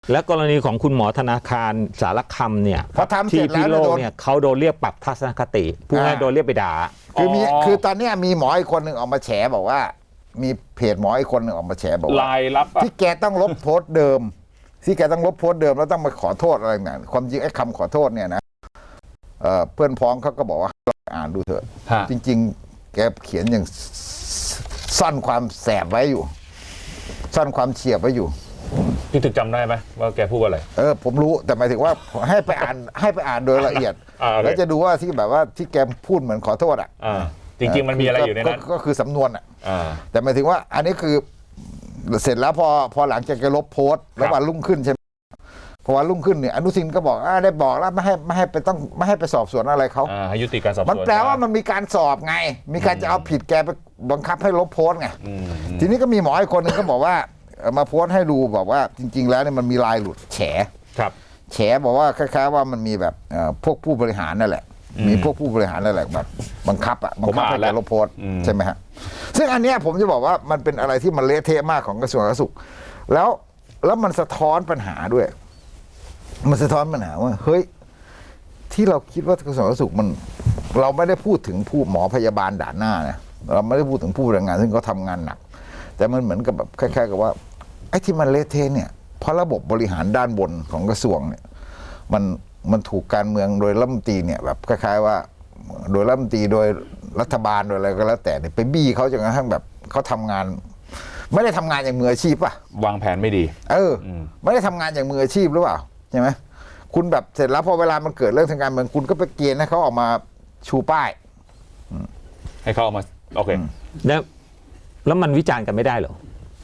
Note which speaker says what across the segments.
Speaker 1: และกรณีของคุณหมอธนาคารสารคำเนี่ยที่พิโลกเนี่ยเขาโดนเรียกปรับทัศนคติผู้ให้โดนเรียกไปด่า
Speaker 2: คือตอนนี้มีหมออีกคนหนึ่งออกมาแฉบอกว่ามีเพจหมออีกคนหนึ่งออกมาแฉบอกว่า
Speaker 3: ลายลับ
Speaker 2: ที่แกต้องลบโพสต์เดิมที่แกต้องลบโพสต์เดิมแล้วต้องมาขอโทษอะไรต่างๆความจริงไอ้คำขอโทษเนี่ยนะเพื่อนพ้องเขาก็บอกว่าลองอ่านดูเถอะจริงๆแกเขียนอย่างซ่อนความแสบไว้อยู่ซ่อนความเฉียบไว้อยู่
Speaker 3: พี่ถึกจำได้ไหมว่าแกพูดอะไร
Speaker 2: ผมรู้แต่หมายถึงว่าให้ไปอ่านโดยละเอียดแล้วจะดูว่าที่แบบว่าที่แกพูดเหมือนขอโทษ
Speaker 3: จริงๆมันมีอะไรอยู่ในนั้น
Speaker 2: ก็คือสำนวนแต่หมายถึงว่าอันนี้คือเสร็จแล้วพอหลังจากแกลบโพสต์แล้ววันรุ่งขึ้นใช่ไหมพอวันรุ่งขึ้นเนี่ยอนุทินก็บอกได้บอกแล้วไม่ให้ไปสอบสวนอะไรเขา
Speaker 3: ให้ยุติการสอบสวน
Speaker 2: มันแปลว่ามันมีการสอบไงมีการจะเอาผิดแกไปบังคับให้ลบโพสต์ไงทีนี้ก็มีหมออีกคนหนึ่งก็บอกว่ามาโพสต์ให้ดูบอกว่าจริงๆแล้วเนี่ยมันมีลายหลุดแฉบอกว่าคล้ายๆว่ามันมีแบบพวกผู้บริหารนั่นแหละมีพวกผู้บริหารนั่นแหละแบบบังคับให้แกลบโพสต์ใช่ไหมฮะซึ่งอันเนี้ยผมจะบอกว่ามันเป็นอะไรที่มันเละเทะมากของกระทรวงสาธารณสุขแล้วมันสะท้อนปัญหาด้วยมันสะท้อนปัญหาว่าเฮ้ยที่เราคิดว่ากระทรวงสาธารณสุขมันเราไม่ได้พูดถึงผู้หมอพยาบาลด่านหน้านะเราไม่ได้พูดถึงผู้แรงงานซึ่งเขาทำงานหนักแต่มันเหมือนกับแบบคล้ายๆกับว่าไอ้ที่มันเละเทะเนี่ยเพราะระบบบริหารด้านบนของกระทรวงเนี่ยมันถูกการเมืองโดยรัฐมนตรีเนี่ยแบบคล้ายๆว่าโดยรัฐมนตรีโดยรัฐบาลโดยอะไรก็แล้วแต่เนี่ยไปบี้เขาจนกระทั่งแบบเขาทำงานไม่ได้ทำงานอย่างมืออาชีพป่ะ
Speaker 3: วางแผนไม่ดี
Speaker 2: ไม่ได้ทำงานอย่างมืออาชีพหรือเปล่าใช่ไหมคุณแบบเสร็จแล้วพอเวลามันเกิดเรื่องทางการเมืองคุณก็ไปเกณฑ์ให้เขาออกมาชูป้าย
Speaker 3: ให้เขาออกมาโอเค
Speaker 1: แล้วมันวิจารณ์กันไม่ได้เหร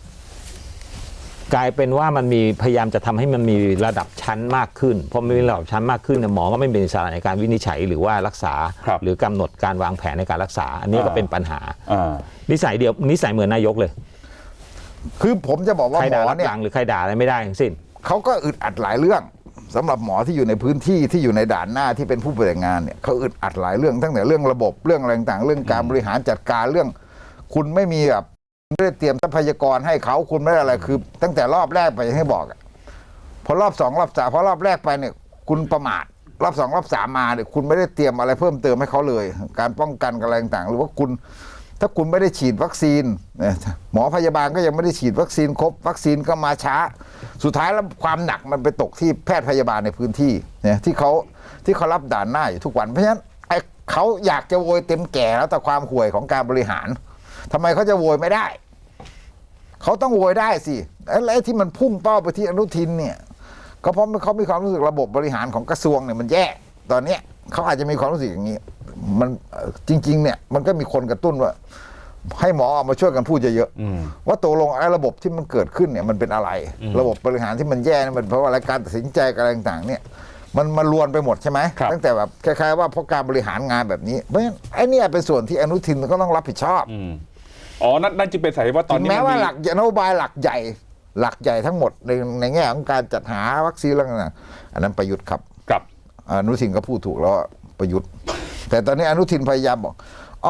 Speaker 1: อกลายเป็นว่ามันมีพยายามจะทำให้มันมีระดับชั้นมากขึ้นพอมีระดับชั้นมากขึ้นหมอก็ไม่เป็นอิสระในการวินิจฉัยหรือว่ารักษาหรือกำหนดการวางแผนในการรักษาอันนี้ก็เป็นปัญหานิสัยเหมือนนายกเลย
Speaker 2: คือผมจะบอกว่าหมอเนี่ย
Speaker 1: หรือใครด่าอะไรไม่ได้ทั้งสิ้น
Speaker 2: เขาก็อึดอัดหลายเรื่องสำหรับหมอที่อยู่ในพื้นที่ที่อยู่ในด่านหน้าที่เป็นผู้ปฏิบัติงานเนี่ยเขาอึดอัดหลายเรื่องตั้งแต่เรื่องระบบเรื่องอะไรต่างๆเรื่องการบริหารจัดการเรื่องคุณไม่มีแบบไม่ได้เตรียมทรัพยากรให้เขาคุณไม่ได้อะไรคือตั้งแต่รอบแรกไปอย่างที่บอกพอรอบสองรอบสามพอรอบแรกไปเนี่ยคุณประมาทรอบสองรอบสามมาเนี่ยคุณไม่ได้เตรียมอะไรเพิ่มเติมให้เขาเลยการป้องกันอะไรต่างๆหรือว่าคุณถ้าคุณไม่ได้ฉีดวัคซีนหมอพยาบาลก็ยังไม่ได้ฉีดวัคซีนครบวัคซีนก็มาช้าสุดท้ายแล้วความหนักมันไปตกที่แพทย์พยาบาลในพื้นที่เนี่ยที่เขารับด่านหน้าอยู่ทุกวันเพราะฉะนั้นเขาอยากจะโวยเต็มแก่แล้วแต่ความห่วยของการบริหารทำไมเขาจะโวยไม่ได้เขาต้องโวยได้สิไอ้ที่มันพุ่งเป้าไปที่อนุทินเนี่ยก็เพราะเขามีความรู้สึกระบบบริหารของกระทรวงเนี่ยมันแย่ตอนนี้เขาอาจจะมีความรู้สึกอย่างนี้มันจริงๆเนี่ยมันก็มีคนกระตุ้นว่าให้หมอออกมาช่วยกันพูดเยอะๆว่าตกลงไอ้ระบบที่มันเกิดขึ้นเนี่ยมันเป็นอะไรระบบบริหารที่มันแย่มันเพราะว่าการตัดสินใจอะไรต่างๆเนี่ยมันรวนไปหมดใช่ไหมตั้งแต่แบบคล้ายๆว่าเพราะการบริหารงานแบบนี้เพราะฉะนั้นไอ้นี่เป็นส่วนที่อนุทินก็ต้องรับผิดชอบ
Speaker 3: นั่นจึงเป็นสาเหตุว่าตอนนี้
Speaker 2: แม้ว่าหลักนโยบายหลักใหญ่ทั้งหมดในแง่ของการจัดหาวัคซีนอะไรต่างๆอันนั้นประยุทธ์ครับอนุทินก็พูดถูกแล้วประยุทธ์แต่ตอนนี้อนุทินพยายามบอก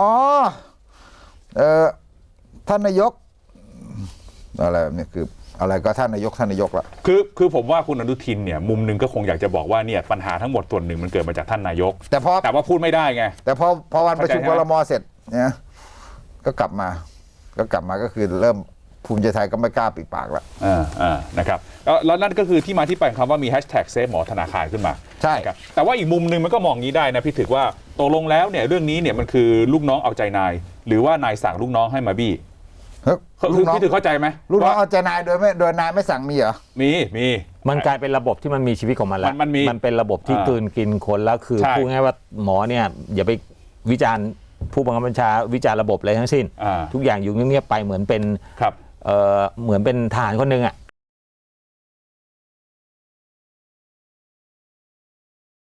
Speaker 2: ท่านนายกอะไรแบบนี้คืออะไรก็ท่านนายกละ
Speaker 3: คือผมว่าคุณอนุทินเนี่ยมุมนึงก็คงอยากจะบอกว่าเนี่ยปัญหาทั้งหมดส่วนหนึ่งมันเกิดมาจากท่านนายกแต่ว่าพูดไม่ได้ไง
Speaker 2: แต่พอวันประชุมครม.เสร็จเนี่ยก็กลับมาก็คือเริ่มภูมิใจไทยก็ไม่กล้าปิดปากแล้ว
Speaker 3: นะครับแล้วนั่นก็คือที่มาที่ไปของคำว่ามีแฮชแท็กเซฟหมอธนาคารขึ้นมา
Speaker 2: ใช่
Speaker 3: ครับแต่ว่าอีกมุมนึงมันก็มองงี้ได้นะพี่ถึกว่าตกลงแล้วเนี่ยเรื่องนี้เนี่ยมันคือลูกน้องเอาใจนายหรือว่านายสั่งลูกน้องให้มาบี้คือพี่ถึกเข้าใจไหม
Speaker 2: ลูกน้องเอาใจนายโดยนายไม่สั่งมีเหรอ
Speaker 3: มี
Speaker 1: มันกลายเป็นระบบที่มันมีชีวิตของมันแล้วมันเป็นระบบที่กลืนกินคนแล้วคือพูดง่ายว่าหมอเนี่ยอย่าไปวิจารณ์ผู้บังคับบัญชาวิจารณ์ระบบอะไรทั้งสิ้นทุกอย่างอยู่เงียบๆไปเหมือนเป็นเหมือนเป็นทหารคนหนึ่ง